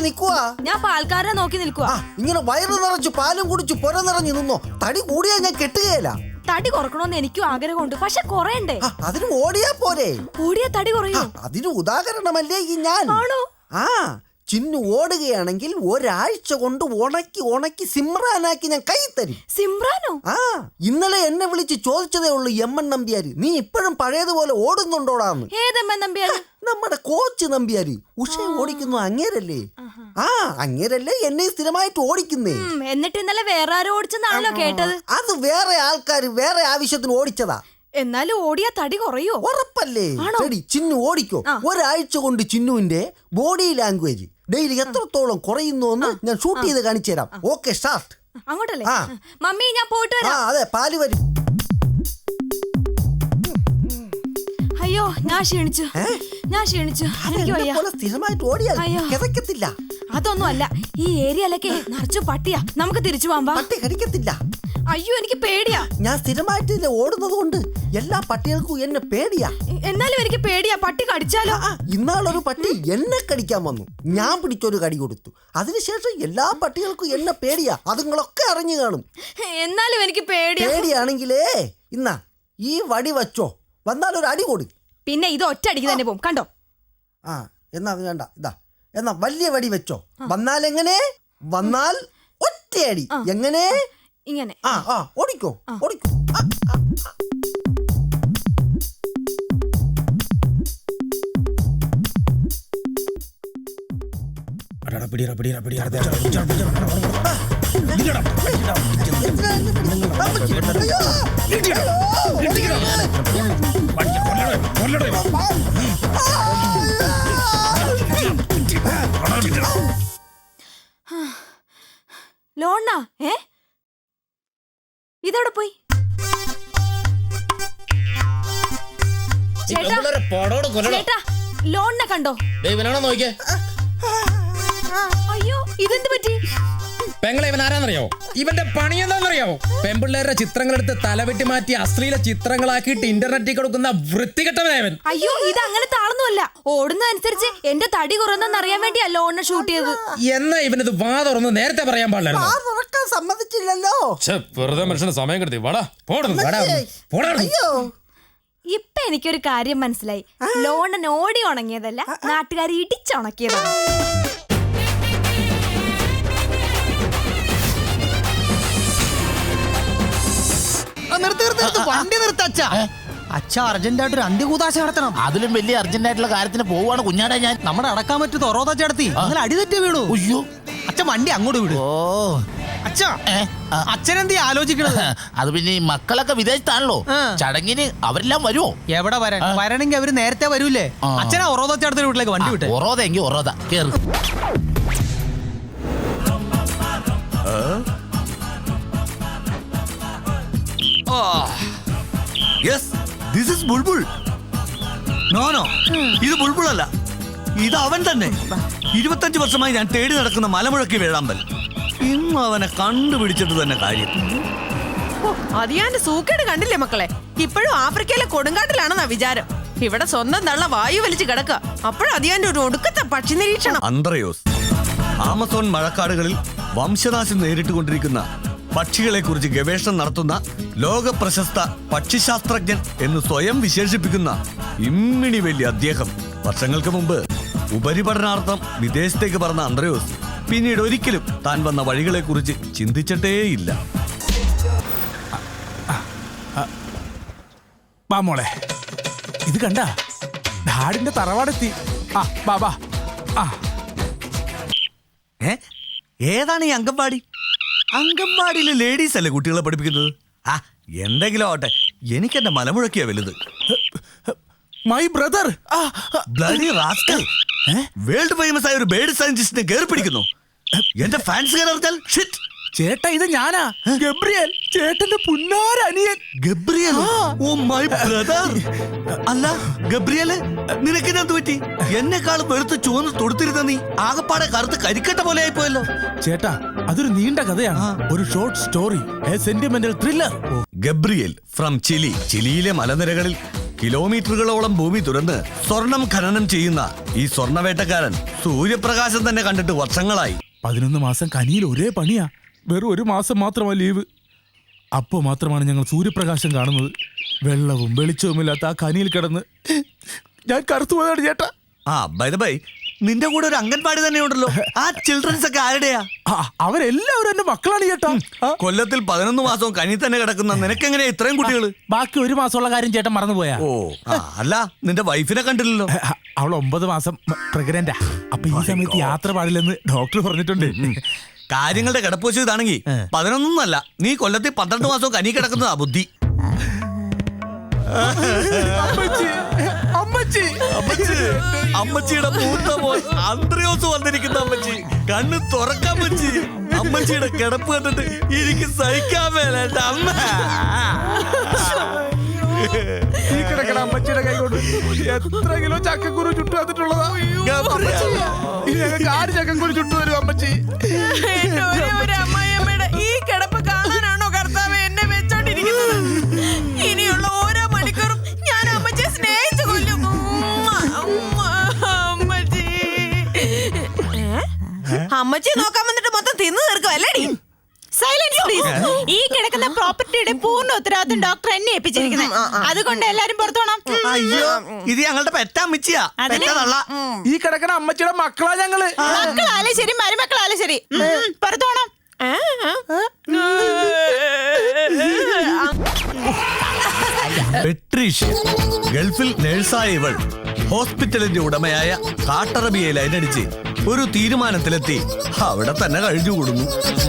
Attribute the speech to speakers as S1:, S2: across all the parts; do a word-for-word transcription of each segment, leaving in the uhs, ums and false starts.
S1: നിക്കുവാ?
S2: ഞാൻ പാൽക്കാരനെ നോക്കി നിൽക്കുവാ.
S1: ഇങ്ങനെ വയറ് നിറച്ചു പാലും കുടിച്ചു പുര നിറഞ്ഞു നിന്നോ. തടി കൂടിയാ ഞാൻ കെട്ടുകയില്ല.
S2: തടി കുറക്കണമെന്ന് എനിക്കും ആഗ്രഹമുണ്ട്, പക്ഷെ കുറയണ്ടേ?
S1: അതിന് ഓടിയാ പോരെ.
S2: ഓടിയാ തടി കുറയോ?
S1: അതിന് ഉദാഹരണമല്ലേ ഈ ഞാൻ.
S2: ആണോ?
S1: ആ ചിന്നു ഓടുകയാണെങ്കിൽ ഒരാഴ്ച കൊണ്ട് ഉണക്കി ഉണക്കി സിമ്രാനാക്കി ഞാൻ കൈ തരും.
S2: സിമ്രാനോ?
S1: ആ ഇന്നലെ എന്നെ വിളിച്ച് ചോദിച്ചതേ ഉള്ളൂ എം എൻ നമ്പ്യാര്, നീ ഇപ്പോഴും പഴയതുപോലെ ഓടുന്നുണ്ടോടാന്ന്.
S2: ഏതെമ്മൻ നമ്പ്യാര്?
S1: നമ്മുടെ കോച്ച് നമ്പ്യാര്. ഉഷ ഓടിക്കുന്നു അങ്ങേരല്ലേ? ആ അങ്ങേരല്ലേ എന്നെ സ്ഥിരമായിട്ട് ഓടിക്കുന്നേ.
S2: എന്നിട്ട് ഇന്നലെ വേറെ ആരോ ഓടിച്ചെന്നാണല്ലോ കേട്ടത്.
S1: അത് വേറെ ആൾക്കാര് വേറെ ആവശ്യത്തിന് ഓടിച്ചതാ.
S2: എന്നാലും ഓടിയാ തടി കുറയോ?
S1: ഉറപ്പല്ലേ? ശരി ചിന്നു ഓടിക്കോ. ഒരാഴ്ച കൊണ്ട് ചിന്നുവിന്റെ ബോഡി ലാംഗ്വേജ് ഡെയിലി എത്രത്തോളം കുറയുന്നു എന്ന് ഞാൻ ഷൂട്ട് ചെയ്ത് കാണിച്ചു തരാം. Okay start.
S2: അങ്ങോട്ടല്ലേ? മമ്മി ഞാൻ പോയിട്ട് വരാം.
S1: അതെ പാല് വരും.
S2: അയ്യോ ഞാൻ ക്ഷീണിച്ചു, ഞാൻ ക്ഷീണിച്ചു.
S1: സ്ഥിരമായിട്ട് ഓടിയാൽ കിതക്കത്തില്ല.
S2: അതൊന്നും അല്ല, ഈ ഏരിയയിലൊക്കെ നിറച്ചു പട്ടിയാ. നമുക്ക് തിരിച്ചു പോകാം.
S1: പട്ടി കടിക്കത്തില്ല.
S2: അയ്യോ എനിക്ക് പേടിയാ.
S1: ഞാൻ സ്ഥിരമായിട്ട് ഓടുന്നത് കൊണ്ട് എല്ലാ പട്ടികൾക്കും എന്നെ പേടിയാ.
S2: എന്നാലും എനിക്ക് പേടിയാ, പട്ടി കടിച്ചാലോ?
S1: ഇന്നാളൊരു പട്ടി എന്നെ കടിക്കാൻ വന്നു, ഞാൻ പിടിച്ചൊരു കടി കൊടുത്തു. അതിനുശേഷം എല്ലാ പട്ടികൾക്കും എന്നെ പേടിയാ. അതുങ്ങളൊക്കെ അറിഞ്ഞു കാണും.
S2: എന്നാലും എനിക്ക് പേടിയാ.
S1: പേടിയാണെങ്കിലേ ഇന്നാ ഈ വടി വച്ചോ, വന്നാൽ ഒരു അടി കൊടു.
S2: പിന്നെ ഇത് ഒറ്റ അടിക്ക് തന്നെ പോകും കണ്ടോ.
S1: ആ എന്നാ അത് വേണ്ട, ഇതാ എന്നാ വലിയ വടി വെച്ചോ. വന്നാൽ എങ്ങനെ? വന്നാൽ ഒറ്റയടി. എങ്ങനെ?
S2: ഇങ്ങനെ.
S1: ആ ആ ഓടിക്കോ ഓടിക്കോ.
S2: ലോണ്ണ ഏ ഇതോടെ പോയി. ചേട്ടാ ലോണിനെ കണ്ടോ?
S3: നോക്കിയേ.
S2: അയ്യോ ഇതെന്ത് പറ്റി?
S3: പെങ്ങളെ ഇവൻ ആരാന്നറിയാവോ? ഇവന്റെ പണി എന്താണെന്നറിയാവോ? പെമ്പിള്ളേരുടെ ചിത്രങ്ങളെടുത്ത് തലവെട്ടി മാറ്റി അശ്ലീല ചിത്രങ്ങളാക്കിയിട്ട് ഇന്റർനെറ്റിൽ കൊടുക്കുന്ന വൃത്തികെട്ടവനായവൻ.
S2: അയ്യോ ഇത് അങ്ങനത്തെ ആളൊന്നുമല്ല. ഓടുന്ന അനുസരിച്ച് എന്റെ തടി കുറന്നെന്ന് അറിയാൻ വേണ്ടിയാ ലോണിനെ ഷൂട്ട് ചെയ്തത്.
S3: എന്നാ ഇവനത് വാ തുറന്ന് നേരത്തെ പറയാൻ പാടില്ലായിരുന്നു.
S1: സമ്മതിച്ചില്ലല്ലോ.
S3: വെറുതെ മനുഷ്യന് സമയം കിടത്തി. വാടാ
S2: ഇപ്പൊ എനിക്കൊരു കാര്യം മനസ്സിലായി. ലോണൻ ഓടി ഉണങ്ങിയതല്ല, നാട്ടുകാർ ഇടിച്ചുണക്കിയതാണ്.
S4: വണ്ടി നിർത്തച്ഛ. അച്ഛ അർജന്റായിട്ട് ഒരു അന്ത്യകൂതാശ നടത്തണം.
S5: അതിലും വലിയ അർജന്റായിട്ടുള്ള കാര്യത്തിന് പോവാണ് കുഞ്ഞാടെ ഞാൻ.
S4: നമ്മുടെ അടക്കാൻ പറ്റൂ തൊറോത ചേർത്തി അങ്ങനെ അടിതെറ്റി വീണു.
S5: അയ്യോ
S4: അച്ഛൻ വണ്ടി അങ്ങോട്ട് വിടും.
S5: ഓ
S4: അച്ഛാ അച്ഛനെന്തീ ആലോചിക്കണത്?
S5: അത് പിന്നെ ഈ മക്കളൊക്കെ വിദേശത്താണല്ലോ, ചടങ്ങിന് അവരെല്ലാം വരുമോ?
S4: എവിടെ വരാൻ? വരണമെങ്കിൽ അവര് നേരത്തെ വരൂലേ. അച്ഛനാ ഒറോത ചേർത്തിന്റെ വീട്ടിലേക്ക് വണ്ടി വിട്ടെ.
S5: ഒറോത എങ്കിൽ ഒറോത കേറ്.
S6: നോ നോ ഇത് ബുൾബുൾ അല്ല, ഇത് അവൻ തന്നെ. ഇരുപത്തഞ്ച് വർഷമായി ഞാൻ തേടി നടക്കുന്ന മലമുഴക്കി വേഴാമ്പൽ. ഇന്ന് അവനെ കണ്ടുപിടിച്ചിട്ട് തന്നെ കാര്യം.
S7: അതിയാന്റെ സൂക്കേട് കണ്ടില്ലേ മക്കളെ? ഇപ്പോഴും ആഫ്രിക്കയിലെ കൊടുങ്കാട്ടിലാണെന്നാ വിചാരം. ഇവിടെ സ്വന്തം തള്ള വായു വലിച്ചു കിടക്കുക. അപ്പോഴും അതിയാന്റെ ഒരു ഒടുക്കത്തെ പക്ഷി നിരീക്ഷണം.
S6: അന്ത്രയോസ് ആമസോൺ മഴക്കാടുകളിൽ വംശനാശം നേരിട്ടുകൊണ്ടിരിക്കുന്ന പക്ഷികളെ കുറിച്ച് ഗവേഷണം നടത്തുന്ന ലോക പ്രശസ്ത പക്ഷിശാസ്ത്രജ്ഞൻ എന്ന് സ്വയം വിശേഷിപ്പിക്കുന്ന ഇമ്മിണി വലിയ അദ്ദേഹം വർഷങ്ങൾക്ക് മുമ്പ് ഉപരിപഠനാർത്ഥം വിദേശത്തേക്ക് പറഞ്ഞ അന്ത്രയോസ് പിന്നീട് ഒരിക്കലും താൻ വന്ന വഴികളെ കുറിച്ച് ചിന്തിച്ചിട്ടേയില്ല.
S8: മോളെ ഇത് കണ്ട ഡാഡിന്റെ തറവാടെത്തി. ആ ബാബാ. ആ
S6: ഏ ഏതാണ് ഈ അംഗൻവാടി? അംഗൻവാടിയിലെ ലേഡീസ് അല്ലേ കുട്ടികളെ പഠിപ്പിക്കുന്നത്? ആ എന്തെങ്കിലും ആവട്ടെ, എനിക്ക് എന്റെ മലമുഴക്കിയാ വലുത്.
S8: My brother
S6: bloody rascal world famous ആയ ഒരു ബേർഡ് സയന്റിസ്റ്റിനെ കയറി പിടിക്കുന്നു. എന്റെ ഫാൻസ് കയറിയാൽ ഷിറ്റ്.
S8: ചേട്ടാ ഇത് ഞാനാ, ഗബ്രിയേൽ, ചേട്ടന്റെ പുന്നാരനിയൻ.
S6: ഗബ്രിയേൽ? Oh my brother. അല്ല ഗബ്രിയേല്, നിനക്ക് എന്ത് പറ്റി? എന്നെക്കാളും വെളുത്ത് ചുവന്ന് തൊടുത്തിരുന്ന നീ ആകപ്പാടെ കറുത്ത് കരിക്കട്ട പോലെ ആയിപ്പോയല്ലോ.
S8: ചേട്ടാ അതൊരു നീണ്ട കഥയാണ്, ഒരു short story, a sentimental thriller.
S6: Gabriel from Chile. ചിലിയിലെ മലനിരകളിൽ കിലോമീറ്ററുകളോളം ഭൂമി തുറന്ന് സ്വർണം ഖനനം ചെയ്യുന്ന ഈ സ്വർണവേട്ടക്കാരൻ സൂര്യപ്രകാശം തന്നെ കണ്ടിട്ട് വർഷങ്ങളായി.
S8: പതിനൊന്ന് മാസം കനിയിൽ ഒരേ പണിയാ. വെറും ഒരു മാസം മാത്രമാ ലീവ്. അപ്പോൾ മാത്രമാണ് ഞങ്ങൾ സൂര്യപ്രകാശം കാണുന്നത്. വെള്ളവും വെളിച്ചവുമില്ലാത്ത ആ കനിയിൽ കിടന്ന് ഞാൻ കറുത്തുപോയതാണ് ചേട്ടാ.
S6: ആ ബൈ ദ ബൈ, നിന്റെ കൂടെ ഒരു അംഗൻവാടി തന്നെ ഉണ്ടല്ലോ. ആ ചിൽഡ്രൻസ് ഒക്കെ ആരുടെയാ?
S8: ആ, അവരെല്ലാവരും എന്റെ മക്കളാണ് ചേട്ടാ. ആ,
S6: കൊല്ലത്തിൽ പതിനൊന്ന് മാസവും കനി തന്നെ കിടക്കുന്ന നിനക്കെങ്ങനെയാ ഇത്രയും കുട്ടികൾ?
S8: ബാക്കി ഒരു മാസമുള്ള കാര്യം ചേട്ടൻ മറന്നുപോയാ.
S6: ഓ ആ, അല്ല നിന്റെ വൈഫിനെ കണ്ടില്ലല്ലോ.
S8: അവൾ ഒമ്പത് മാസം പ്രഗ്നന്റാ. അപ്പൊ ഈ സമയത്ത് യാത്ര പാടില്ലെന്ന് ഡോക്ടർ പറഞ്ഞിട്ടുണ്ട്.
S6: കാര്യങ്ങളുടെ കിടപ്പുവശം ഇതാണെങ്കിൽ പതിനൊന്നല്ല, നീ കൊല്ലത്തിൽ പന്ത്രണ്ട് മാസവും കനി കിടക്കുന്നതാ ബുദ്ധി.
S8: അമ്മച്ചി, അമ്മച്ചി,
S6: അമ്മച്ചി, അമ്മച്ചിയുടെ മൂത്ത മോൻ അന്ത്രയോസ് വന്നിരിക്കുന്ന അമ്മച്ചി. കണ്ണ് തുറക്കാൻ അമ്മച്ചി. അമ്മച്ചിയുടെ കിടപ്പ് കണ്ടിട്ട് എനിക്ക് സഹിക്കാൻ മേലേട്ട അമ്മ.
S8: ഈ കിടക്കണ അമ്മച്ചിയുടെ കൈ കൊണ്ട് എത്ര കിലോ ചക്കക്കുരു ചുട്ടു വന്നിട്ടുള്ളതാ. അമ്മച്ചി, ഇനി ഞങ്ങൾക്ക് ആര് ചക്കക്കുരു ചുട്ടു തരും അമ്മച്ചി?
S7: എന്റെ ഒരേ ഒരു അമ്മായിയമ്മയുടെ ഈ കിടപ്പ് കാണാനാണോ കർത്താവ് എന്നെ വെച്ചോണ്ടിരിക്കുന്നത്? ഇനിയുള്ള ഓരോ മണിക്കൂറും ഞാൻ അമ്മച്ചിയെ സ്നേഹിച്ചു കൊല്ലും. ഉമ്മ, ഉമ്മ, അമ്മച്ചി. ഏ? അമ്മച്ചി നോക്കാൻ വന്നിട്ട് മൊത്തം തിന്നു തീർക്കുവല്ലേടി?
S9: Silence please. ഈ കിടക്കുന്ന പ്രോപ്പർട്ടിയുടെ പൂർണ്ണ ഉത്തരവാദിത്വം ഡോക്ടർ എന്നെ ഏൽപ്പിച്ചിരിക്കുന്നത്. അതുകൊണ്ട് എല്ലാരും പുറത്തു പോണം.
S6: അയ്യോ, ഇത് ഞങ്ങളുടെ പെറ്റ അമ്മച്ചിയാ. പെറ്റതള്ള.
S8: ഈ കിടക്കണ അമ്മച്ചിയുടെ മക്കളാ ഞങ്ങള്.
S9: മക്കളാലും ശരി മരുമക്കളാലും ശരി പുറത്തു പോണം.
S6: പെട്രീഷ്യ, ഗൾഫിൽ നേഴ്സായ ഇവൾ ഹോസ്പിറ്റലിന്റെ ഉടമയായ കാട്ടറബിയെ ലൈനടിച്ച് ഒരു തീരുമാനത്തിലെത്തി അവിടെ തന്നെ കഴിഞ്ഞുകൂടുന്നു.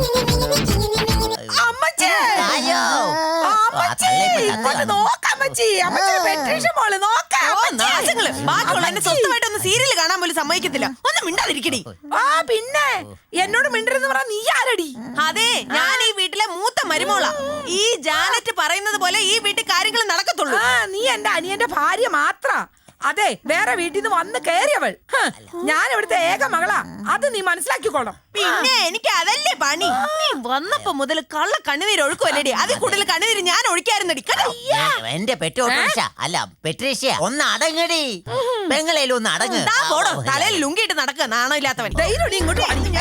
S7: സ്വന്തമായിട്ടൊന്ന് സീരിയൽ കാണാൻ പോലും സമ്മതിക്കത്തില്ല. ഒന്ന് മിണ്ടാതിരിക്കടി.
S10: ആ പിന്നെ എന്നോട് മിണ്ടരുന്ന് പറഞ്ഞ നീ ആരടി?
S7: അതെ, ഞാൻ ഈ വീട്ടിലെ മൂത്ത മരുമോളാ. ഈ ജാനറ്റ് പറയുന്നത് പോലെ ഈ വീട്ടിൽ കാര്യങ്ങൾ നടക്കത്തുള്ളൂ.
S10: ആ നീ എന്റെ അനിയന്റെ ഭാര്യ മാത്ര. അതെ, വേറെ വീട്ടിൽ നിന്ന് വന്ന് കയറിയവൾ. ഞാൻ ഇവിടുത്തെ ഏക മകളാ. അത് നീ മനസ്സിലാക്കിക്കോണം.
S7: പിന്നെ എനിക്ക് അതല്ലേ പണി. നീ വന്നപ്പോ മുതൽ കള്ള കണ്ണുനീര് ഒഴുക്കുമല്ലേടി. അതിൽ കൂടുതൽ കണ്ണുനീര് ഞാൻ ഒഴിക്കായിരുന്നടി.
S11: എന്റെ പെറ്റോട്ട അല്ല പെട്രീഷ്യ, ഒന്ന് അടങ്ങടി. പെങ്ങളേലും ഒന്ന് അടങ്ങ്.
S7: പോടോ, തലയിൽ ലുങ്കിയിട്ട് നടക്കുക നാണോ ഇല്ലാത്തവൻ. ഇങ്ങോട്ട്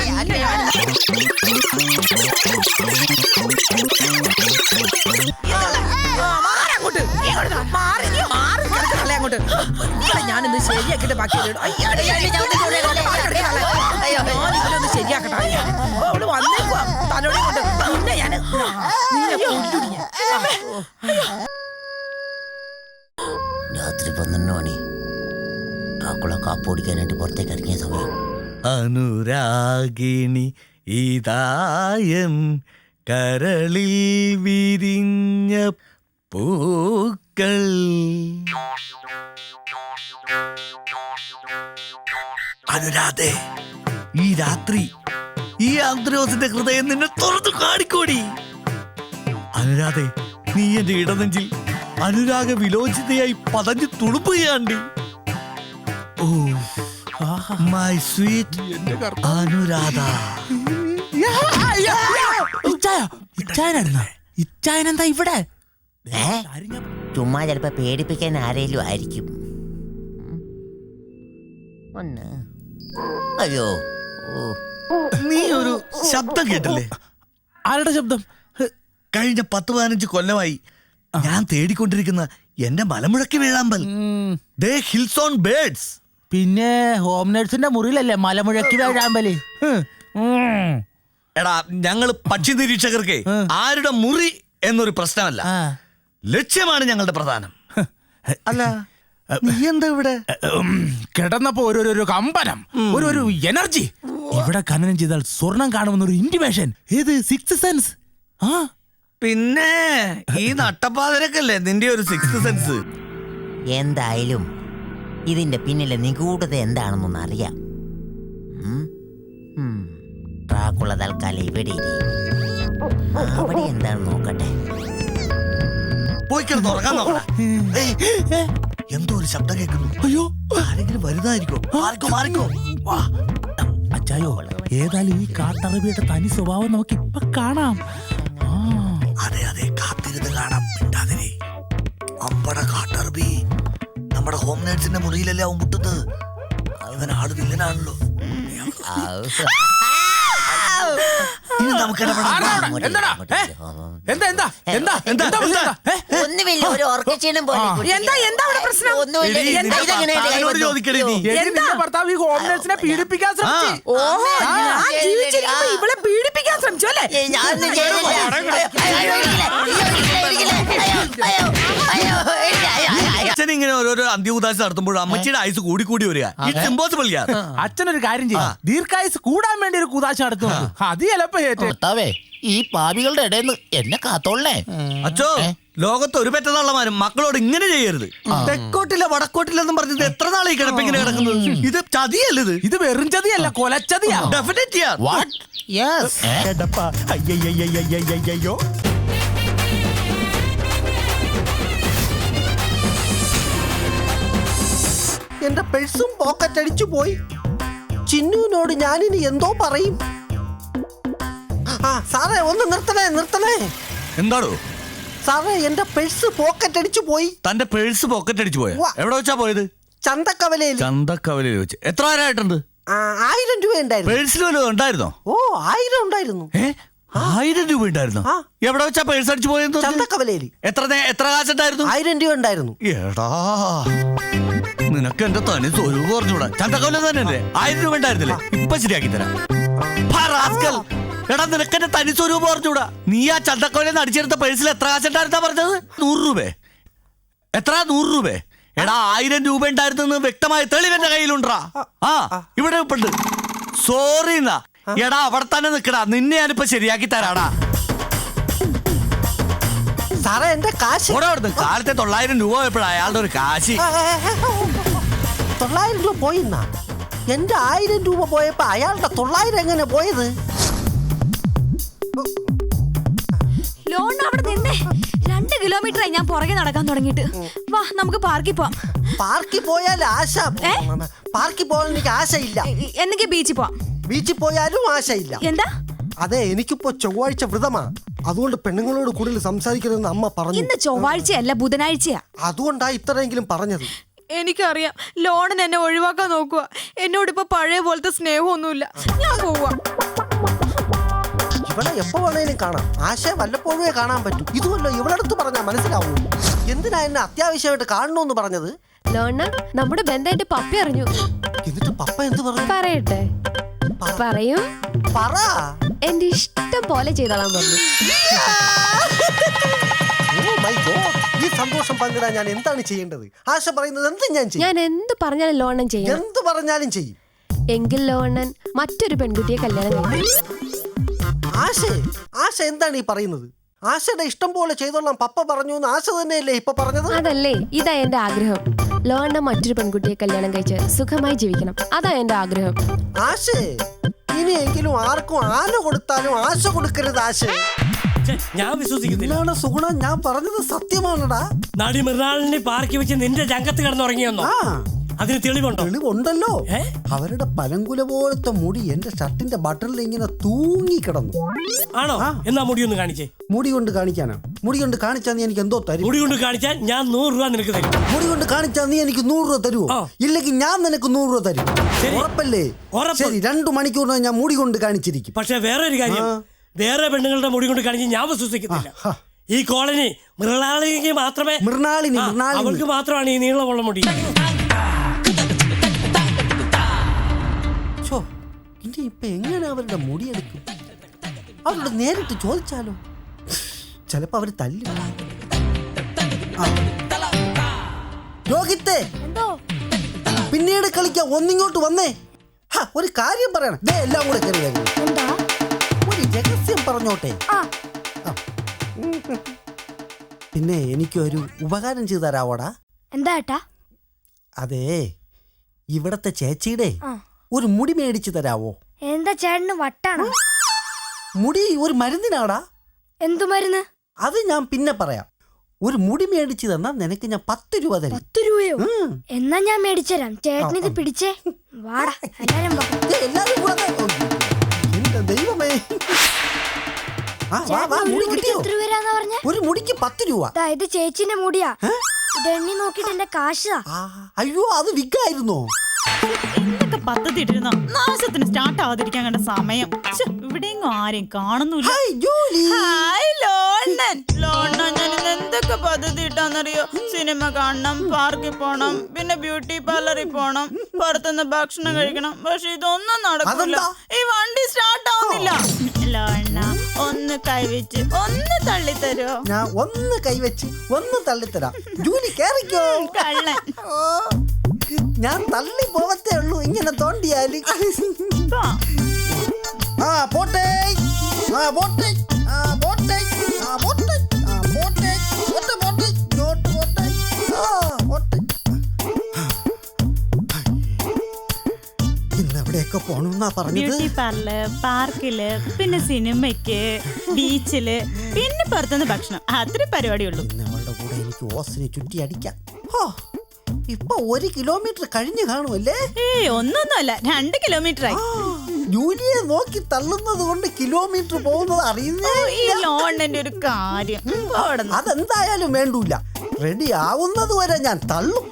S10: ഞാനിന്ന് ശരിയാക്കിട്ട് ബാക്കി ശരിയാക്കട്ടെ. അവള് വന്നേക്കുവാ തലോടെ കൊണ്ട്. പിന്നെ ഞാൻ
S11: രാത്രി പന്ത്രണ്ട് മണി ഡ്രാക്കുള കാപ്പ് ഓടിക്കാനായിട്ട് പുറത്തേക്ക് ഇറങ്ങിയ സമയം.
S6: അനുരാഗിണി ഇതായൻ കരളിൽ വിരിഞ്ഞ പൂക്കൾ. അനുരാധേ, ഈ രാത്രി ഈ ആന്ത്രോസിന്റെ ഹൃദയം നിന്നെ തുറന്നു കാണിക്കോടി. അനുരാധേ, നീ എന്റെ ഇടനെഞ്ചിൽ അനുരാഗ വിലോചിതയായി പതഞ്ഞു തുളുമ്പുകയാണ്ടി. Oh my sweet Anuradha.
S8: ഇച്ചായനെന്താ ഇവിടെ?
S11: ചുമ്മാ ചിലപ്പോ പേടിപ്പിക്കാൻ ആരേലും ആയിരിക്കും. ഒന്ന് അയ്യോ,
S6: നീ ഒരു ശബ്ദം കേട്ടില്ലേ?
S8: ആരുടെ ശബ്ദം?
S6: കഴിഞ്ഞ പത്ത് പതിനഞ്ച് കൊല്ലമായി ഞാൻ തേടിക്കൊണ്ടിരിക്കുന്ന എന്റെ മലമുഴക്കി വേഴാമ്പൽ. The hills on birds.
S8: പിന്നെ ഹോം നേഴ്സിന്റെ മുറിയിലല്ലേ മലമുഴക്കി വേഴാമ്പല്?
S6: എടാ, ഞങ്ങള് പക്ഷി നിരീക്ഷകർക്ക് ആരുടെ മുറി എന്നൊരു പ്രശ്നമല്ല, ലക്ഷ്യമാണ് ഞങ്ങളുടെ പ്രധാനം. അല്ല, നീ എന്താ ഇവിടെ?
S8: കിടന്നപ്പോ ഒരു ഒരു കമ്പനം, ഒരു ഒരു എനർജി. ഇവിടെ ഖനനം ചെയ്താൽ സ്വർണം കാണുമെന്ന ഒരു ഇന്റിമേഷൻ. ഏത് സിക്സ് സെൻസ്? ആ
S6: പിന്നെ ഈ നട്ടപ്പാതിരക്കല്ലേ നിന്റെ ഒരു സിക്സ് സെൻസ്.
S11: എന്തായാലും ഇതിന്റെ പിന്നിലെ നിഗൂഢത എന്താണെന്നൊന്ന് അറിയാം. ഡ്രാക്കുള തൽക്കാലം ഇവിടെ ഇരി. അവിടെ എന്താണെന്ന് നോക്കട്ടെ.
S6: പോയി കിടന്ന് ഉറങ്ങാൻ നോക്കണ. എന്തോ ഒരു ശബ്ദം കേൾക്കുന്നു. അയ്യോ, ആരെങ്കിലും വരുന്നതായിരിക്കോ? മാറിക്കോ മാറിക്കോ.
S8: അച്ചായോ, ഏതായാലും ഈ കാട്ടറബിയുടെ തനി സ്വഭാവം നമുക്ക് ഇപ്പൊ കാണാം.
S6: അതെ അതെ, കാത്തിരുന്ന് കാണാം. മിണ്ടാതിരി. അമ്പട കാട്ടറബി. സുരഭി നമ്മുടെ ഹോം നേഴ്സിന്റെ മുറിയിലല്ലേ അവൻ മുട്ടുന്നത്. ഇവൻ ആള് വില്ലനാണല്ലോ. ഇനി നമുക്ക് ഇടപെടാം.
S8: എന്താടാ ഏ? എന്താ എന്താ എന്താ എന്താ എന്താ ഏ?
S11: ഒന്നുമില്ല, ഒരു ഉറക്കക്ഷീണം പോലെ കുട്ടി.
S10: എന്താ എന്താ അവിടെ പ്രശ്നം?
S11: ഒന്നുമില്ല.
S6: എടീ,
S11: എന്താ
S6: നിന്റെ
S11: ഇതെങ്ങനെ എന്റെ കൈ
S6: ഭർത്താവിനോട്
S11: വന്നു?
S6: ചോദിക്കടി നീ.
S8: എടി, നിന്റെ ഭർത്താവ് ഈ ഹോം നേഴ്സിനെ പീഡിപ്പിക്കാൻ ശ്രമിച്ചു.
S10: ഓഹോ, ഞാൻ ജീവിച്ചിരിക്കുമ്പോ ഇവളെ പീഡിപ്പിക്കാൻ ശ്രമിച്ചു അല്ലേ?
S11: ഏയ്, ഞാനൊന്നും ചെയ്തില്ല. അയ്യോ, അയ്യോ, ഒരിക്കലേ, ഒരിക്കലേ, ഒരിക്കലേ. അയ്യോ, അയ്യോ, അയ്യോ, അയ്യോ, അയ്യോ, അയ്യോ.
S6: അച്ഛൻ ഇങ്ങനെ ഓരോരോ അന്ത്യഉദാശ നടത്തുമ്പോൾ അമ്മച്ചിയുടെ ആയുസ് കൂടി കൂടി വരിക. ഇറ്റ്സ് ഇമ്പോസിബിൾ യാർ.
S8: അച്ഛനൊരു കാര്യം ചെയ്യും, ദീർഘായുസ് കൂടാൻ വേണ്ടി ഒരു കുതാശ നടത്തുന്നു. അത് ചിലപ്പോ ഏറ്റവും
S5: ഭർത്താവേ ഈ പാപികളുടെ ഇടയിൽ നിന്ന് എന്നെ കാത്തോളേ.
S6: അച്ഛോ, ലോകത്ത് ഒരു പെറ്റതള്ളമാരും മക്കളോട് ഇങ്ങനെ ചെയ്യരുത്. തെക്കോട്ടില്ല വടക്കോട്ടില്ലെന്നും പറഞ്ഞത് എത്ര നാളെ ഈ കിടപ്പിങ്ങനെ കിടക്കുന്നത്? ഇത് ചതിയല്ലത്.
S8: ഇത് വെറും ചതിയല്ല, കൊലച്ചതിയാ.
S6: ഡെഫിനറ്റ് യാർ.
S5: വാട്ട് യെസ്
S1: അയ്യോ എന്റെ പേഴ്സും പോക്കറ്റ് അടിച്ചു പോയി. ചിന്നുവിനോട് ഞാനിനി എന്തോ പറയും. ആ സാറേ, ഒന്ന് നിർത്തണേ നിർത്തണേ.
S6: എന്താടോ
S1: സാറേ, എന്റെ പേഴ്സ് പോക്കറ്റ് അടിച്ചു പോയി.
S6: തന്റെ പേഴ്സ് പോക്കറ്റ് അടിച്ചു പോയ?
S1: ഉവ്വ.
S6: എവിടെ വെച്ചാ പോയത്?
S1: ചന്തക്കവലയിൽ.
S6: ചന്തക്കവലയിൽ വെച്ച്. എത്ര നേരമായിട്ടുണ്ട്?
S1: ആ, ആയിരം രൂപ ഉണ്ടായിരുന്നു.
S6: പേഴ്സിൽ വല്ലതും ഉണ്ടായിരുന്നോ?
S1: ഓ, ആയിരം ഉണ്ടായിരുന്നു.
S6: ഏ ആയിരം രൂപ ഉണ്ടായിരുന്നോ?
S1: ആ.
S6: എവിടെ വെച്ചാ പേഴ്സ് അടിച്ചു പോയെന്ന്?
S1: ചന്തക്കവലയിൽ.
S6: എത്ര നേ- എത്ര കാശുണ്ടായിരുന്നു?
S1: ആയിരം രൂപ ഉണ്ടായിരുന്നു.
S6: എടാ, നിനക്ക് എന്റെ തനി സ്വരൂപം പറഞ്ഞൂടാ. ചന്തക്കവല തന്നെ ആയിരം രൂപ ഉണ്ടായിരുന്നില്ലേ? ഇപ്പൊ ശരിയാക്കി തരാം. ഫാ, റാസ്കൽ. എടാ, നിനക്ക് എന്റെ തനി സ്വരൂപം പറഞ്ഞൂടാ. നീ ആ ചന്തക്കവലെന്ന് അടിച്ചെടുത്ത പേഴ്സിൽ എത്ര കാശുണ്ടായിരുന്നാ പറഞ്ഞത്? നൂറ് രൂപ. എത്ര? നൂറ് രൂപ. എടാ, ആയിരം രൂപ ഉണ്ടായിരുന്നെന്ന് വ്യക്തമായ തെളിവ് എന്റെ കയ്യിലുണ്ടാ. ആ, ഇവിടെ ഇപ്പുണ്ട്. സോറി എന്നാ. എടാ, അവിടെ തന്നെ നിക്കടാ. നിന്നെ ഞാനിപ്പോ ശരിയാക്കി തരാടാ.
S1: സാറേ, എന്റെ കാശ്.
S6: ഓടെ അവിടുന്ന് കാലത്തെ തൊള്ളായിരം രൂപ പോയപ്പോഴാ അയാളുടെ ഒരു കാശി.
S1: ആ, ആ, ആ, തൊള്ളായിരം രൂപ പോയിന്നാ? എന്റെ ആയിരം രൂപ പോയപ്പോ അയാളുടെ തൊള്ളായിരം എങ്ങനെ പോയത്?
S2: ലോൺ അവിടെ നിന്നേ. രണ്ട് കിലോമീറ്ററായി ഞാൻ പുറകെ നടക്കാൻ തുടങ്ങിയിട്ട്. വാ, നമുക്ക് പാർക്കിൽ പോവാം.
S1: പാർക്കിൽ പോയാൽ ആശ. പാർക്കിൽ പോയാൽ എനിക്ക് ആശയില്ല.
S2: എന്നെങ്കിൽ ബീച്ചിൽ പോവാം.
S1: ബീച്ചിൽ പോയാലും ആശയില്ല.
S2: എന്താ?
S1: അതെ, എനിക്കിപ്പോ ചൊവ്വാഴ്ച വ്രതമാ. അതുകൊണ്ട് പെണ്ണുങ്ങളോട് കൂടുതൽ സംസാരിക്കരുതെന്ന് അമ്മ പറഞ്ഞു.
S2: ഇന്ന് ചൊവ്വാഴ്ചയല്ല, ബുധനാഴ്ചയാ.
S1: അതുകൊണ്ടാ ഇത്രയെങ്കിലും പറഞ്ഞത്.
S7: എനിക്കറിയാം, ലോണിന് എന്നെ ഒഴിവാക്കാൻ നോക്കുക. എന്നോട് ഇപ്പൊ പഴയ പോലത്തെ സ്നേഹമൊന്നുമില്ല. ഞാൻ പോവാ.
S1: ഇവളെ എപ്പോ വേണേലും കാണാം. ആശയെ വല്ലപ്പോഴേ കാണാൻ പറ്റും. ഇതുമല്ലോ ഇവളടുത്ത് പറഞ്ഞാ മനസ്സിലാവൂ. എന്തിനാ എന്നെ അത്യാവശ്യമായിട്ട് കാണണമെന്ന് പറഞ്ഞത്?
S12: ലോണ, നമ്മുടെ ബന്ധമായിട്ട് പപ്പി അറിഞ്ഞു.
S1: എന്നിട്ട് പപ്പ എന്ത് പറഞ്ഞു?
S12: പറയട്ടെ? പറയും.
S1: പറ.
S12: എന്റെ ഇഷ്ടം പോലെ ചെയ്തോളാൻ പറഞ്ഞു.
S1: Oh my God. ഈ സന്തോഷം പങ്കിടാൻ ഞാൻ എന്താണ് ചെയ്യേണ്ടത്? ആശ പറയുന്നത് എന്തും ഞാൻ ചെയ്യും.
S12: ഞാൻ എന്ത് പറഞ്ഞാലും ലോണൻ ചെയ്യും.
S1: എന്ത് പറഞ്ഞാലും ചെയ്യും.
S12: എങ്കിൽ ലോണൻ മറ്റൊരു പെൺകുട്ടിയെ കല്യാണം കഴിക്കും.
S1: ആശ ആശ എന്താണ് ഈ പറയുന്നത്? ആശയുടെ ഇഷ്ടം പോലെ ചെയ്തോളാം പപ്പ പറഞ്ഞു എന്ന് ആശ തന്നെയല്ലേ ഇപ്പൊ പറഞ്ഞത്?
S12: അതല്ലേ, ഇതാ എന്റെ ആഗ്രഹം. ലോണ മറ്റൊരു പെൺകുട്ടിയെ കല്യാണം കഴിച്ച് സുഖമായി ജീവിക്കണം. അതാ എന്റെ ആഗ്രഹം.
S1: ആശ, ഇനിയെങ്കിലും ആർക്കും ആന കൊടുത്താലും ആശ കൊടുക്കരുത്. ആശ,
S13: ഞാൻ വിശ്വസിക്കുന്നില്ല.
S1: സുഗുണ, ഞാൻ പറഞ്ഞത് സത്യമാണടാ.
S13: നടി മൃണാളിനെ പാർക്കി വെച്ച് നിന്റെ രംഗത്ത് കിടന്നുറങ്ങിയെന്നോ? അതിന് തെളിവുണ്ടോ?
S1: തെളിവുണ്ടല്ലോ. അവരുടെ പലങ്കുല പോലത്തെ മുടി എന്റെ ഷർട്ടിന്റെ ബട്ടണിൽ ഇങ്ങനെ തൂങ്ങി കിടന്നു.
S13: ആണോ? എന്നാ മുടി ഒന്ന് കാണിച്ചേ.
S1: മുടി കൊണ്ട് കാണിക്കാനാ? മുടി കൊണ്ട് കാണിച്ചാ നീ എനിക്ക് എന്തോ തരും?
S13: മുടി കൊണ്ട് കാണിച്ചാൽ ഞാൻ നൂറ് രൂപ നിനക്ക് തരും.
S1: മുടി കൊണ്ട് കാണിച്ചാ നീ എനിക്ക് നൂറ് രൂപ തരുമോ? ഇല്ലെങ്കിൽ ഞാൻ നിനക്ക് നൂറ് രൂപ തരും. ഉറപ്പല്ലേ? ശരി, രണ്ടു മണിക്കൂറിന് ഞാൻ മുടി കൊണ്ട് കാണിച്ചിരിക്കും.
S13: പക്ഷെ വേറെ ഒരു കാര്യം, വേറെ പെണ്ണുങ്ങളുടെ മുടി കൊണ്ട് കാണിച്ച് ഞാൻ വിശ്വസിക്കുന്നില്ല. ഈ കോളനി മൃണാളിക്ക് മാത്രമേ
S1: മൃണാളിനി
S13: അവൾക്ക് മാത്രമാണ് ഈ നീളമുള്ള മുടി.
S1: ഇനി ഇപ്പൊ എങ്ങനെ അവരുടെ മുടിയെടുക്കും? അവരോട് നേരിട്ട് ചോദിച്ചാലോ? ചിലപ്പോ അവര് തല്ലും. രോഹിത്തെ, പിന്നീട് കളിക്കാം. ഒന്നിങ്ങോട്ട് വന്നേ. ഒരു കാര്യം പറയണം. ദേ, എല്ലാം കൂടെ കയറി വരും. ഒരു രഹസ്യം പറഞ്ഞോട്ടെ. പിന്നെ എനിക്കൊരു ഉപകാരം ചെയ്തു തരാവോടാ?
S2: എന്താ ഏട്ടാ?
S1: അതെ, ഇവിടത്തെ ചേച്ചിയുടെ ഒരു മുടി മേടിച്ചു തരാവോ?
S2: എന്താ ചേട്ടന് വട്ടാണോ?
S1: മുടി ഒരു മരുന്നിനാടാ.
S2: എന്തു മരുന്ന്?
S1: അത് ഞാൻ പിന്നെ പറയാം. ഒരു മുടി മേടിച്ചു തന്നാ നിനക്ക് ഞാൻ പത്ത് രൂപ തരും.
S2: പത്ത് രൂപയോ? എന്നാ ഞാൻ മേടിച്ചുതരാം. ചേട്ടനിത് പിടിച്ചേ. വാടാ, എല്ലാരും വാ.
S1: എല്ലാരും കൂടെ. എന്റെ ദൈവമേ. ആ, വാ, വാ, മുടി കിട്ടിയോ?
S2: എത്ര രൂപയാന്ന് പറഞ്ഞേ?
S1: ഒരു മുടിക്ക് പത്ത് രൂപ.
S2: ഇത് ചേച്ചിന്റെ മുടിയാ.
S12: ഇതെണ്ണി നോക്കിട്ട് എന്റെ കാശാ.
S1: അയ്യോ അത് വിഗായിരുന്നോ?
S9: എന്തൊക്കെ പദ്ധതി ഇട്ടിരുന്നോ നാശത്തിന് സ്റ്റാർട്ട് ആവാതിരിക്കാൻ കണ്ട സമയം. ശ്ശെ, ഇവിടെയെങ്ങും ആരെയും കാണുന്നില്ല. ഹായ് ലോണ്ണൻ. ലോണ്ണൻ ഞാൻ ഇന്ന് എന്തൊക്കെ പദ്ധതി ഇട്ടാന്നറിയോ? സിനിമ കാണണം, പാർക്കിൽ പോണം, പിന്നെ ബ്യൂട്ടി പാർലറിൽ പോണം, പുറത്തുനിന്ന് ഭക്ഷണം കഴിക്കണം. പക്ഷെ ഇതൊന്നും നടക്കില്ല. ഈ വണ്ടി സ്റ്റാർട്ട് ആവുന്നില്ല. ലോണ്ണ ഒന്ന് കൈവച്ച് ഒന്ന് തള്ളിത്തരോ?
S1: ഞാൻ ഒന്ന് കൈവച്ച് ഒന്ന് തള്ളിത്തരാം. ജൂലി കേറിക്കോ.
S9: കള്ളൻ.
S1: ഞാൻ തള്ളി പോവത്തേ ഉള്ളൂ ഇങ്ങനെ തോണ്ടിയാല്. ആ പോട്ടെ ആ പോട്ടെ ആ പോട്ടെ ആ പോട്ടെ ആ പോട്ടെ പോട്ടെ പോട്ടെ ഇങ്ങോട്ട് പോട്ടെ ആ പോട്ടെ. ഇന്ന് എവിടെയൊക്കെ പോണെന്നാ പറഞ്ഞത്?
S9: ബ്യൂട്ടി പാർലർ, പാർക്കില്, പിന്നെ സിനിമയ്ക്ക്, ബീച്ചില്, പിന്നെ പുറത്തുനിന്ന് ഭക്ഷണം. അത്ര പരിപാടിയുള്ളൂ.
S1: ഇന്നവളുടെ കൂടെ എനിക്ക് ഓസിനെ ചുറ്റി അടിക്കാം. ഇപ്പൊ ഒരു കിലോമീറ്റർ കഴിഞ്ഞു കാണുമല്ലേ?
S9: ഏയ് ഒന്നൊന്നുമല്ല, രണ്ട് കിലോമീറ്റർ ആയി.
S1: ജൂലിയെ നോക്കി തള്ളുന്നത് കൊണ്ട് കിലോമീറ്റർ പോകുന്നത് അറിയുന്നേ.
S9: ഈ ലോണിന്റെ ഒരു കാര്യം
S1: അതെന്തായാലും വേണ്ടൂല. റെഡി ആവുന്നത് വരെ ഞാൻ തള്ളും.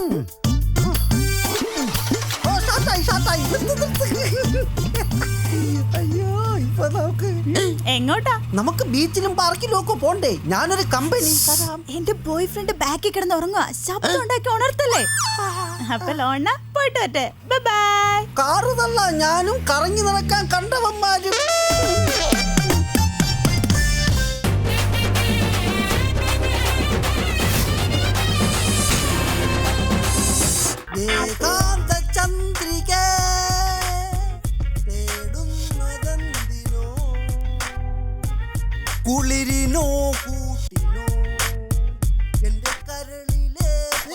S1: അയ്യോ ഇപ്പൊ നമുക്ക്
S9: എങ്ങോട്ടാ?
S1: നമുക്ക് ബീച്ചിലും പാർക്കിലും ഒക്കെ പോണ്ടേ? ഞാനൊരു കമ്പനി.
S2: എന്റെ ബോയ് ഫ്രണ്ട് ബാക്കിൽ കിടന്ന് ഉറങ്ങുക. ശബ്ദം ഉണ്ടാക്കി ഉണർത്തല്ലേ?
S9: അപ്പൊ ലോണ പോയിട്ട് വരട്ടെ. Bye bye.
S1: കാറ് തള്ള ഞാനും കറങ്ങി നടക്കാൻ കണ്ടവന്മാരും. ചന്ദ്രിക കുളിരിനോ കൂട്ടിനോ എന്റെ കരളിലെ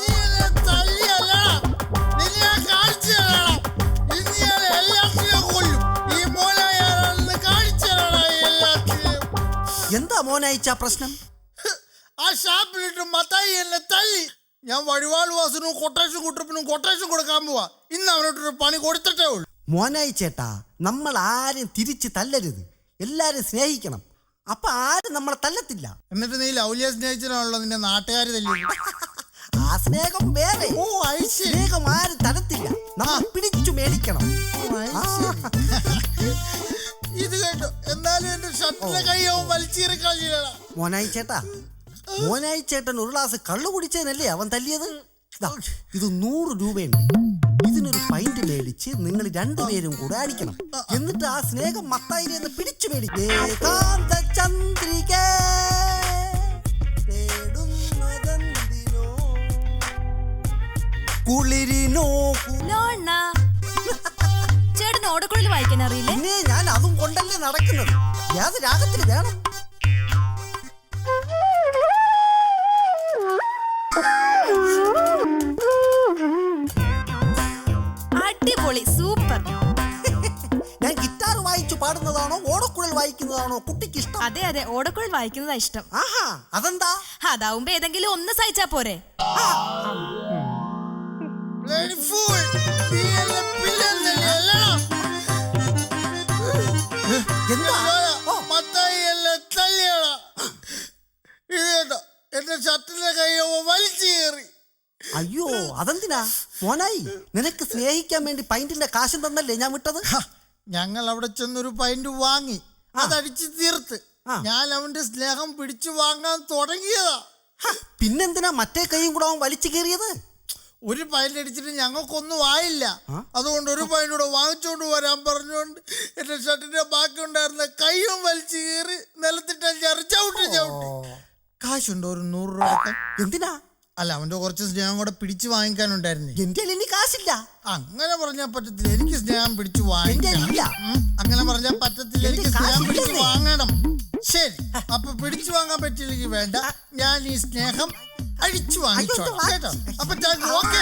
S1: എന്താ മോനയച്ച പ്രശ്നം?
S14: ആ ഷാപ്പിലിട്ട് മത്തായി എന്നെ തല്ലി. ഞാൻ വഴിവാൾ വാസനും കൊട്ടേഷൻ കുട്ടപ്പിനും കൊട്ടേഷൻ കൊടുക്കാൻ പോവാ. ഇന്ന് അവനോട്ടൊരു പണി കൊടുത്തിട്ടേ ഉള്ളൂ.
S1: മോനായി ചേട്ടാ, നമ്മൾ ആരും തിരിച്ച് തല്ലരുത്. എല്ലാരും സ്നേഹിക്കണം. അപ്പൊ ആരും നമ്മളെ തല്ലത്തില്ല.
S14: എന്നിട്ട് നീ ലൗലിയെ സ്നേഹിച്ചാണല്ലോ നിന്റെ നാട്ടുകാര് തല്ലി.
S1: ആ സ്നേഹം വേറെ.
S14: ഓ
S1: സ്നേഹം ആരും തരത്തില്ല. നമ്മൾ പിടിച്ചു മേടിക്കണം.
S14: ഇത് കേട്ടോ, എന്നാലും എന്റെ ഷർട്ടിലെ കൈയാവും വലിച്ചീറിക്കള.
S1: മോനായി ചേട്ടാ, മോനായി ചേട്ടൻ ഒരു ഗ്ലാസ് കള്ളു കുടിച്ചതിനല്ലേ അവൻ തല്ലിയത്? ഇത് നൂറ് രൂപയുണ്ട്. ഇതിനൊരു പൈന്റ് മേടിച്ച് നിങ്ങൾ രണ്ടുപേരും കൂടെ അടിക്കണം. എന്നിട്ട് ആ സ്നേഹം മത്തായിനെ പിടിച്ചു മേടിക്കേ. ചന്ദ്രിക കുളിരിനോ
S2: ചേട്ടന് ഓടക്കുഴൽ വായിക്കാൻ അറിയില്ലേ?
S1: പിന്നെ ഞാൻ അതും കൊണ്ടല്ലേ നടക്കുന്നത്. ഏത് രാഗത്തിൽ വേണം?
S2: അടിപൊളി, സൂപ്പർ.
S1: ഞാൻ ഗിറ്റാർ വായിച്ചു പാടുന്നതാണോ ഓടക്കുഴൽ വായിക്കുന്നതാണോ കുട്ടിക്ക് ഇഷ്ടം?
S2: അതെ അതെ, ഓടക്കുഴൽ വായിക്കുന്നതാ ഇഷ്ടം.
S1: ആഹാ, അതെന്താ?
S2: അതാവുമ്പോ ഏതെങ്കിലും ഒന്ന് സഹിച്ചാ പോരെ.
S14: എന്റെ ഷർട്ടിലെ കൈയോ വലിച്ചേറി.
S1: അയ്യോ അതെന്തിനാ മോനായി? നിനക്ക് സ്നേഹിക്കാൻ വേണ്ടി പൈന്റിന്റെ കാശം തന്നല്ലേ ഞാൻ വിട്ടത്?
S14: ഞങ്ങൾ അവിടെ ചെന്നൊരു പൈന്റ് വാങ്ങി അതടിച്ച് തീർത്ത് ഞാൻ അവന്റെ സ്നേഹം പിടിച്ചു വാങ്ങാൻ തുടങ്ങിയതാ.
S1: പിന്നെന്തിനാ മറ്റേ കൈയും കൂടെ അവൻ വലിച്ചു കയറിയത്?
S14: ഒരു പൈന്റ് അടിച്ചിട്ട് ഞങ്ങൾക്കൊന്നും ആയില്ല. അതുകൊണ്ട് ഒരു പൈന്റ് കൂടെ വാങ്ങിച്ചോണ്ട് വരാൻ പറഞ്ഞുകൊണ്ട് എന്റെ ഷർട്ടിന്റെ ബാക്കി ഉണ്ടായിരുന്ന കൈയും വലിച്ചു കയറി നിലത്തിട്ട് ചവിട്ടി ചവിട്ടി. കാശുണ്ടോ ഒരു നൂറ് രൂപ?
S1: എന്തിനാ?
S14: അല്ല, അവന്റെ കുറച്ച് സ്നേഹം കൂടെ പിടിച്ചു വാങ്ങിക്കാനുണ്ടായിരുന്നു.
S1: എന്റെ ഇനി കാശില്ല.
S14: അങ്ങനെ പറഞ്ഞാൽ പറ്റത്തില്ല. എനിക്ക് സ്നേഹം പിടിച്ചു വാങ്ങിക്കണം. അങ്ങനെ പറഞ്ഞാൽ പറ്റത്തില്ല. എനിക്ക് സ്നേഹം പിടിച്ചു വാങ്ങണം. ശരി, അപ്പൊ പിടിച്ചു വാങ്ങാൻ പറ്റില്ലെങ്കിൽ വേണ്ട, ഞാൻ ഈ സ്നേഹം അഴിച്ചു വാങ്ങിച്ചോളാം കേട്ടോ. അപ്പൊ ഓക്കെ.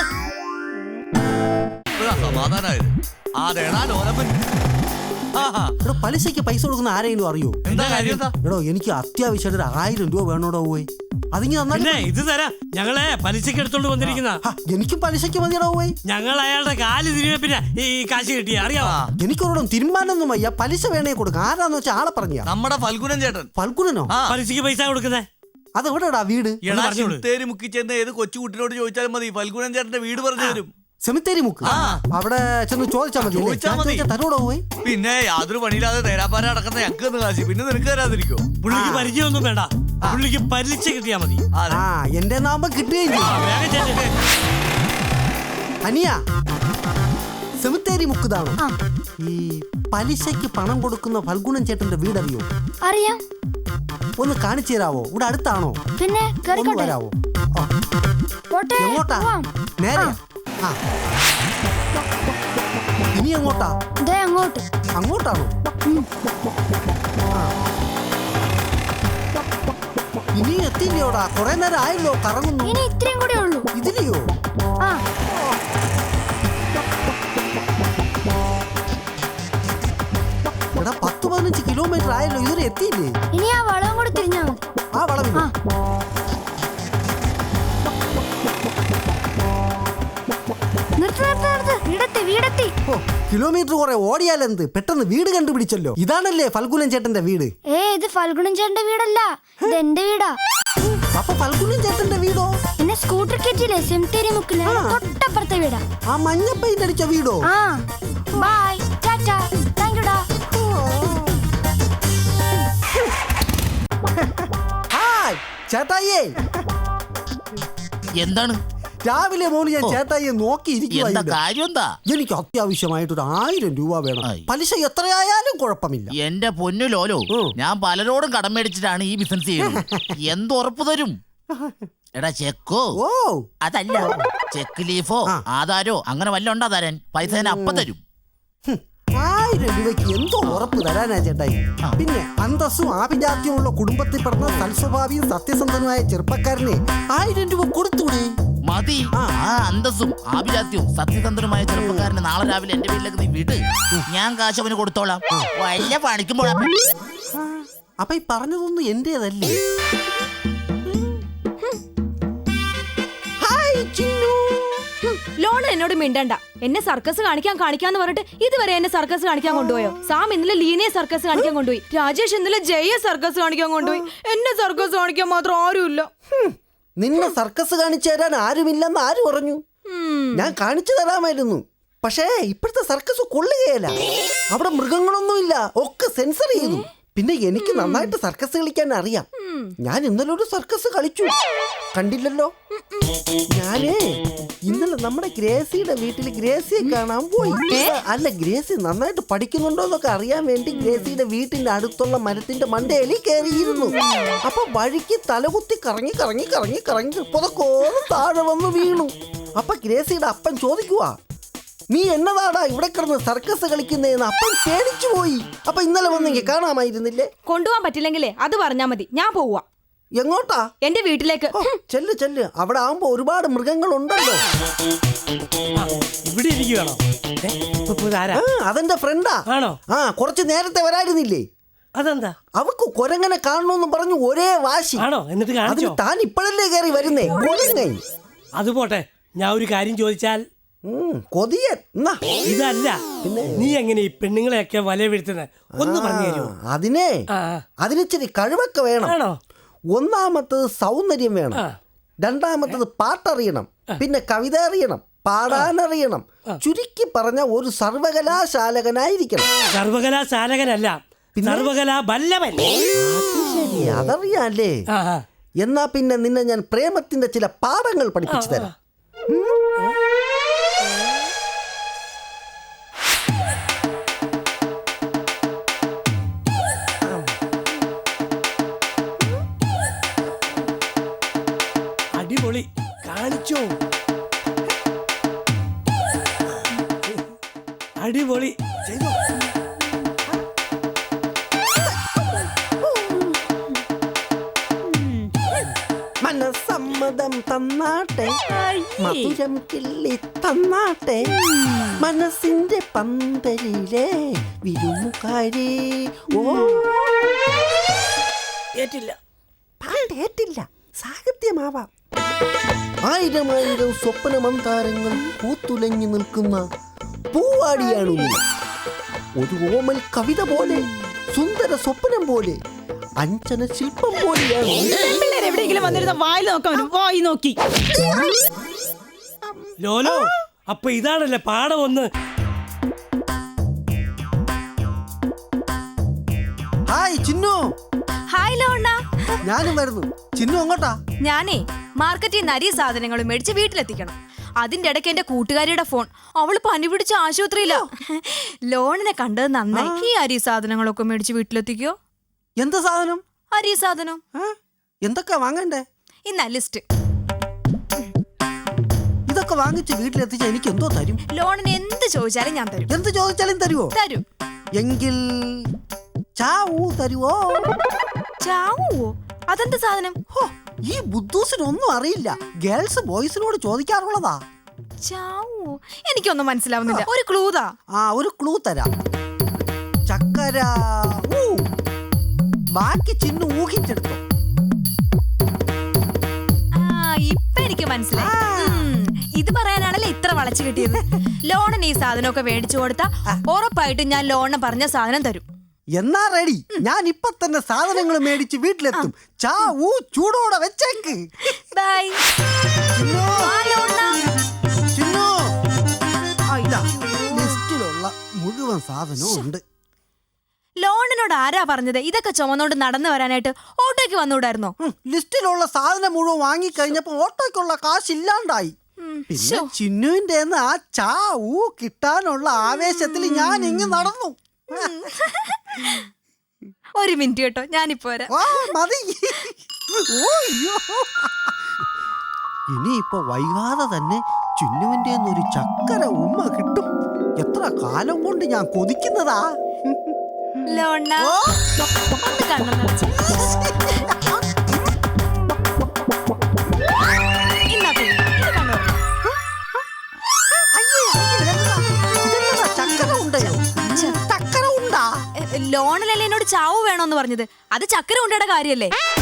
S6: സമാധാനായത് അതേടാ ലോലപ്പൻ.
S1: എടോ പലിശയ്ക്ക് പൈസ കൊടുക്കുന്ന ആരെങ്കിലും അറിയോ? എടോ എനിക്ക് അത്യാവശ്യമായിട്ട് ഒരു ആയിരം രൂപ വേണോടോ പോയി. അതിങ്ങനെ
S13: ഇത് തരാം. ഞങ്ങളെ പലിശക്ക് എടുത്തോണ്ട് വന്നിരിക്കുന്ന.
S1: എനിക്കും പലിശയ്ക്ക് മതിയടോ പോയി.
S13: ഞങ്ങൾ അയാളുടെ കാല് തിരികെ പിന്നെ ഈ കാശ് കിട്ടിയ അറിയാമോ?
S1: എനിക്കൊരിടം തീരുമാനമൊന്നും വയ്യ. പലിശ വേണേ കൊടുക്കാം. ആരാന്ന് വെച്ചാൽ ആളെ പറഞ്ഞ
S6: നമ്മുടെ ഫൽഗുനൻ ചേട്ടൻ.
S1: ഫൽഗുനനോ?
S13: പലിശക്ക് പൈസ കൊടുക്കുന്നേ.
S1: അതെവിടെടാ വീട്?
S6: സെമിത്തേരി മുക്കി ചെന്ന് ഏത് കൊച്ചുകുട്ടിനോട് ചോദിച്ചാലും മതി, ഫൽഗുനൻ ചേട്ടന്റെ വീട് പറഞ്ഞു തരും.
S1: സെമിത്തേരി മുക്ക് അവിടെ ചെന്ന് ചോദിച്ചാൽ മതി.
S6: ചോദിച്ചാൽ മതി.
S1: തന്നോടോ പോയി?
S6: പിന്നെ യാതൊരു പണിയില്ലാതെ തേരാപ്പാര നടക്കുന്ന ഞങ്ങൾക്ക് കാശി, പിന്നെ നിനക്ക് തരാതിരിക്കോ?
S13: പുള്ളിക്ക് പരിചയമൊന്നും വേണ്ട, പുള്ളിക്ക് പലിശ കിട്ടിയാ മതി.
S1: ആ എന്റെ നാമ്പം കിട്ടുകയും ചെയ്യും. അനിയ സെമിത്തേരി മുക്കുതാണോ? ഈ പലിശയ്ക്ക് പണം കൊടുക്കുന്ന ഫൽഗുണൻ ചേട്ടന്റെ വീടറിയോ?
S2: അറിയാം.
S1: ഒന്ന് കാണിച്ചു തരാവോ? ഇവിടെ അടുത്താണോ?
S2: പിന്നെ
S1: ഒന്ന് വരാവോ? എങ്ങോട്ടാ? നേരെ. ആ ഇനി എങ്ങോട്ടാ?
S2: അങ്ങോട്ട്.
S1: അങ്ങോട്ടാണോ? ഇനി എത്തില്ലയോടാ? കൊറേ നേരം ആയല്ലോ കറങ്ങുന്നു.
S2: ഇനി ഇത്രയും കൂടെ ഉള്ളൂ.
S1: ഇതിലെയോ?
S2: ആ
S1: എടാ പത്ത് പതിനഞ്ച് കിലോമീറ്റർ ആയല്ലോ, ഇതുവരെ എത്തിയില്ലേ?
S2: ഇനി ആ വളവും കൂടെ തിരിഞ്ഞാ മതി.
S1: ആ വളവില്ല. കിലോമീറ്റർ കുറെ ഓടിയാലെന്ത്, പെട്ടെന്ന് വീട് കണ്ടുപിടിച്ചല്ലോ. ഇതാണല്ലേ ഫൽഗുനൻ ചേട്ടന്റെ വീട്?
S2: ഏ ഇത് ഫൽഗുനൻ ചേട്ടന്റെ വീടല്ല, ഇത് എന്റെ വീടാ.
S1: അപ്പൊ ഫൽഗുനൻ ചേട്ടന്റെ വീടോ?
S2: എന്നെ സ്കൂട്ടർ കയറ്റിയില്ലേ സെമിത്തേരി മുക്കില്, തൊട്ടപ്പുറത്തെ വീടാ.
S1: ആ മഞ്ഞ പെയിന്റ് അടിച്ച വീടോ?
S2: ആ ബൈ ടാറ്റാ താങ്ക് യുടാ.
S1: ഹായ് ചേട്ടായിയേ.
S5: എന്താണ്?
S1: രാവിലെ മോന് ഞാൻ ചേട്ടായിയെ നോക്കിയിരിക്കുവാ.
S5: കാര്യം എന്താ?
S1: എനിക്ക് അത്യാവശ്യമായിട്ടൊരു ആയിരം രൂപ വേണം. പലിശ എത്രയായാലും കുഴപ്പമില്ല.
S5: എന്റെ പൊന്നു ലോലോ, ഞാൻ പലരോടും കടം മേടിച്ചിട്ടാണ് ഈ ബിസിനസ് ചെയ്യുന്നത്. എന്തുറപ്പ് തരും? എടാ ചെക്കോ?
S1: ഓ
S5: അതല്ല, ചെക്ക് ലീഫോ ആധാരോ അങ്ങനെ വല്ല ഉണ്ടാ തരാൻ? പൈസ ഞാൻ അപ്പം തരും.
S1: ആയിരം രൂപയ്ക്ക് എന്തോ ഉറപ്പ് തരാനാ ചേട്ടായി? പിന്നെ അന്തസ്സും ആഭിജാത്യമുള്ള കുടുംബത്തിൽ പിറന്ന സൽസ്വഭാവിയും സത്യസന്ധനുമായ ചെറുപ്പക്കാരനെ ആയിരം രൂപ കൊടുത്തൂടെ?
S5: മതി. ആ അന്തസ്സും ആഭിജാത്യവും സത്യസന്ധനുമായ ചെറുപ്പക്കാരന് നാളെ രാവിലെ എന്റെ വീട്ടിലേക്ക് നീ വിട്, ഞാൻ കാശ് അവന് കൊടുത്തോളാം. വല്ല പണിക്കുമ്പോഴാ.
S1: അപ്പൊ ഈ പറഞ്ഞതൊന്നും എന്റേതല്ലേ?
S2: ലോൺ എന്നോട് മിണ്ടണ്ട. എന്നെ സർക്കസ് കാണിക്കാൻ കാണിക്കാന്ന് പറഞ്ഞിട്ട് ഇതുവരെ എന്നെ സർക്കസ് കാണിക്കാൻ കൊണ്ടുപോയോ? സാം ഇന്നലെ ലീനയെ സർക്കസ് കാണിക്കാൻ കൊണ്ടുപോയി, രാജേഷ് ഇന്നലെ ജയ സർക്കസ് കാണിക്കാൻ കൊണ്ടുപോയി. എന്നെ സർക്കസ് കാണിക്കാൻ മാത്രം ആരുമില്ല.
S1: നിന്നെ സർക്കസ് കാണിച്ചു തരാൻ ആരുമില്ലെന്ന് ആര് പറഞ്ഞു? ഞാൻ കാണിച്ചു തരാമായിരുന്നു, പക്ഷേ ഇപ്പോഴത്തെ സർക്കസ് കൊള്ളുകയല്ല. അവിടെ മൃഗങ്ങളൊന്നുമില്ല, ഒക്കെ സെൻസർ ചെയ്തു. പിന്നെ എനിക്ക് നന്നായിട്ട് സർക്കസ് കളിക്കാൻ അറിയാം. ഞാൻ ഇന്നലെ ഒരു സർക്കസ് കളിച്ചു, കണ്ടില്ലല്ലോ? ഞാനേ ഇന്നലെ നമ്മുടെ ഗ്രേസിയുടെ വീട്ടിൽ ഗ്രേസിയെ കാണാൻ പോയി. അല്ല, ഗ്രേസി നന്നായിട്ട് പഠിക്കുന്നുണ്ടോ എന്നൊക്കെ അറിയാൻ വേണ്ടി ഗ്രേസിയുടെ വീട്ടിന്റെ അടുത്തുള്ള മരത്തിന്റെ മണ്ടയിൽ കയറിയിരുന്നു. അപ്പൊ വഴിക്ക് തലകുത്തി കറങ്ങി കറങ്ങി കറങ്ങി കറങ്ങി പുതക്കോളം താഴെ വന്ന് വീണു. അപ്പൊ ഗ്രേസിയുടെ അപ്പൻ ചോദിക്കുവാ, നീ എന്നതാടാ ഇവിടെ കിടന്ന് സർക്കസ് കളിക്കുന്നതെന്ന്. അപ്പൻ പേടിച്ചു പോയി. അപ്പൊ ഇന്നലെ വന്നെങ്കിൽ കാണാമായിരുന്നില്ലേ?
S2: കൊണ്ടുപോകാൻ പറ്റില്ലെങ്കിലേ അത് പറഞ്ഞാ മതി, ഞാൻ പോവാ.
S1: എങ്ങോട്ടാ?
S2: എന്റെ വീട്ടിലേക്ക്.
S1: ചെല്ല് ചെല്ല്, അവിടെ ആവുമ്പോ ഒരുപാട് മൃഗങ്ങൾ ഉണ്ടല്ലോ.
S13: ഇവിടെ ഇരിക്കുകയാണോ?
S1: അതെന്റെ ഫ്രണ്ടാ.
S13: ആണോ?
S1: ആ കുറച്ച് നേരത്തെ വരായിരുന്നില്ലേ?
S13: അതെന്താ?
S1: അവക്ക് കൊരങ്ങനെ കാണണമെന്ന് പറഞ്ഞു ഒരേ വാശി.
S13: ആണോ? എന്നിട്ട് കാണിച്ചോ?
S1: താൻ ഇപ്പോഴല്ലേ കയറി വരുന്നേ കൊരങ്ങൻ.
S13: അത് പോട്ടെ, ഞാൻ ഒരു കാര്യം ചോദിച്ചാൽ?
S1: കൊതിയൻ
S13: ഇതല്ല, നീ എങ്ങനെ ഈ പെണ്ണുങ്ങളെയൊക്കെ വല വീഴ്ത്തുന്നത് ഒന്ന് പറഞ്ഞു തരുമോ?
S1: അതിനെ അതിനിച്ചിരി കഴിവൊക്കെ വേണം. ഒന്നാമത്തത് സൗന്ദര്യം വേണം, രണ്ടാമത്തത് പാട്ടറിയണം, പിന്നെ കവിത അറിയണം, പാടാനറിയണം. ചുരുക്കി പറഞ്ഞ ഒരു സർവകലാശാലകനായിരിക്കണം.
S13: സർവകലാശാലകനല്ല, സർവകലാ ബല്ലവൻ.
S1: ശരി, അതറിയാല്ലേ? എന്നാ പിന്നെ നിന്നെ ഞാൻ പ്രേമത്തിന്റെ ചില പാഠങ്ങൾ പഠിപ്പിച്ചു തരാം.
S13: അടിപൊളി, കാണിച്ചോ? അടിപൊളി ചെയ്തോ?
S1: മനസ്സമ്മതം തന്നാട്ടെ, മധുരം കിള്ളി തന്നാട്ടെ, മനസ്സിന്റെ പന്തലിലെ വിരുമുകാരി. ഓ ഏറ്റില്ല, പാട്ടേറ്റില്ല, സാഹിത്യമാവാം. ആയിരം ആയിരം സ്വപ്ന മന്ദാരങ്ങൾ പൂത്തുലഞ്ഞു നിൽക്കുന്ന പൂവാടിയാണ് നീ. ഒരു ഓമൽ കവിത പോലെ, സുന്ദര സ്വപ്നം പോലെ, അഞ്ചന ശില്പം പോലെയാണ്.
S9: എവിടെയെങ്കിലും വന്നിരുന്ന വായിൽ നോക്കാൻ വരും. വായി നോക്കി
S13: ലോലോ അപ്പൊ ഇതാണല്ലേ പാഠം ഒന്ന്.
S1: ഹായ് ചിന്നു.
S2: ഹായ് ലോണ്ണ.
S1: ഞാനും വരുന്നു. ചിന്നു അങ്ങോട്ടാ?
S2: ഞാനേ മാർക്കറ്റിൽ നിന്ന് അരി സാധനങ്ങളും മേടിച്ച് വീട്ടിലെത്തിക്കണം. അതിന്റെ ഇടയ്ക്ക് എന്റെ കൂട്ടുകാരിയുടെ ഫോൺ. അവള് പനി പിടിച്ച ആശുപത്രിയിലോ. ലോണിനെ കണ്ടത് നന്നായി. ഈ അരി സാധനങ്ങളൊക്കെ മേടിച്ച് വീട്ടിലെത്തിക്കോ.
S1: എന്ത് സാധനം?
S2: അരി സാധനം.
S1: എന്തൊക്കെ വാങ്ങണ്ടേ?
S2: ഇന്ന ലിസ്റ്റ്.
S1: ഇതൊക്കെ വാങ്ങിച്ച് വീട്ടിലെത്തിച്ച എനിക്ക് എന്തോ തരും?
S2: ലോണിന് എന്ത് ചോദിച്ചാലും ഞാൻ തരും.
S1: എന്ത് ചോദിച്ചാലും തരുവോ?
S2: തരും.
S1: എങ്കിൽ ചാവൂ തരുവോ?
S2: ചാവൂവോ? അതെന്ത് സാധനം?
S1: ഈ ബുദ്ധൂസിനൊന്നും അറിയില്ല. ഗേൾസ് ബോയ്സിനോട് ചോദിക്കാറുള്ളതാ.
S2: ചാവൂവോ? എനിക്കൊന്നും മനസ്സിലാവുന്നില്ല. ഒരു ക്ലൂതാ.
S1: ആ ഒരു ക്ലൂ തരാം. ചക്കര. ബാക്കി ചിന്നു ഊഹിച്ചെടുത്തോ.
S2: ആ ഇപ്പൊ എനിക്ക് മനസ്സിലായി. ഇത് പറയാനാണല്ലോ ഇത്ര വളച്ചു കിട്ടിയത്. ലോണിന് ഈ സാധനമൊക്കെ മേടിച്ചു കൊടുത്താ ഉറപ്പായിട്ടും ഞാൻ ലോണിന് പറഞ്ഞ സാധനം തരും.
S1: എന്നാ റെഡി. ഞാൻ ഇപ്പൊ തന്നെ സാധനങ്ങൾ മേടിച്ച് വീട്ടിലെത്തും. ചാവൂ ചൂടോടെ വെച്ചേക്ക്.
S2: ബൈ.
S1: ലിസ്റ്റിലുള്ള മുഴുവൻ സാധനവും ഉണ്ട്.
S2: ലോണിനോട് ആരാ പറഞ്ഞത് ഇതൊക്കെ ചുമന്നോണ്ട് നടന്നു വരാനായിട്ട്? ഓട്ടോയ്ക്ക് വന്നുകൂടായിരുന്നോ?
S1: ലിസ്റ്റിലുള്ള സാധനം മുഴുവൻ വാങ്ങിക്കഴിഞ്ഞപ്പോ ഓട്ടോയ്ക്കുള്ള കാശ് ഇല്ലാണ്ടായി. പിന്നെ ചിന്നുവിന്റെ ആ ചാവൂ കിട്ടാനുള്ള ആവേശത്തിൽ ഞാൻ ഇങ്ങ് നടന്നു.
S2: ഒരു മിനിറ്റ് കേട്ടോ, ഞാനിപ്പോ വരാം.
S1: മതി. ഇനിയിപ്പോ വൈകാതെ തന്നെ ചിന്നുവിന്റെ ഒരു ചക്കര ഉമ്മ കിട്ടും. എത്ര കാലം കൊണ്ട് ഞാൻ കൊതിക്കുന്നതാ.
S2: ലോണ ഒന്ന് കണ്ണു നിറച്ച്. ലോണിലല്ലേ എന്നോട് ചാവ് വേണോന്ന് പറഞ്ഞത്? അത് ചക്കര ഉണ്ടയുടെ കാര്യല്ലേ?